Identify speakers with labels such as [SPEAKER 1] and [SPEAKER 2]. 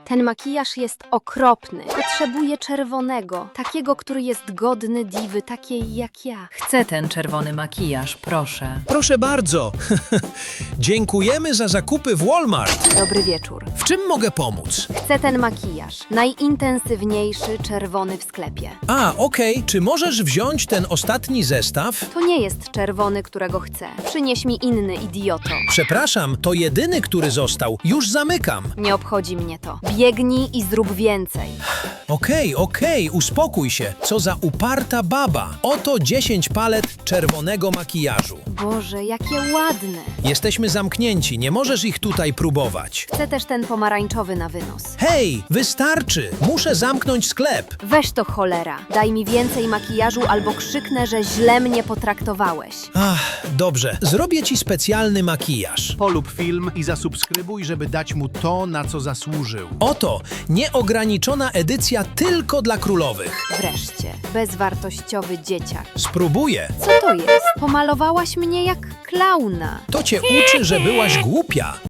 [SPEAKER 1] Ten makijaż jest okropny. Potrzebuję czerwonego, takiego, który jest godny diwy, takiej jak ja.
[SPEAKER 2] Chcę ten czerwony makijaż, proszę.
[SPEAKER 3] Proszę bardzo. Dziękujemy za zakupy w Walmart.
[SPEAKER 1] Dobry wieczór.
[SPEAKER 3] W czym mogę pomóc?
[SPEAKER 1] Chcę ten makijaż. Najintensywniejszy czerwony w sklepie.
[SPEAKER 3] Okej. Czy możesz wziąć ten ostatni zestaw?
[SPEAKER 1] To nie jest czerwony, którego chcę. Przynieś mi inny, idioto.
[SPEAKER 3] Przepraszam, to jedyny, który został. Już zamykam.
[SPEAKER 1] Nie obchodzi mnie to. Biegnij i zrób więcej.
[SPEAKER 3] Okej, uspokój się. Co za uparta baba. Oto 10 palet czerwonego makijażu.
[SPEAKER 1] Boże, jakie ładne.
[SPEAKER 3] Jesteśmy zamknięci, nie możesz ich tutaj próbować.
[SPEAKER 1] Chcę też ten pomarańczowy na wynos.
[SPEAKER 3] Hej, wystarczy! Muszę zamknąć sklep.
[SPEAKER 1] Weź to cholera. Daj mi więcej makijażu albo krzyknę, że źle mnie potraktowałeś.
[SPEAKER 3] Dobrze. Zrobię ci specjalny makijaż.
[SPEAKER 4] Polub film i zasubskrybuj, żeby dać mu to, na co zasłużył.
[SPEAKER 3] Oto nieograniczona edycja tylko dla królowych.
[SPEAKER 1] Wreszcie, bezwartościowy dzieciak.
[SPEAKER 3] Spróbuję.
[SPEAKER 1] Co to jest? Pomalowałaś mnie jak klauna.
[SPEAKER 3] To cię uczy, że byłaś głupia.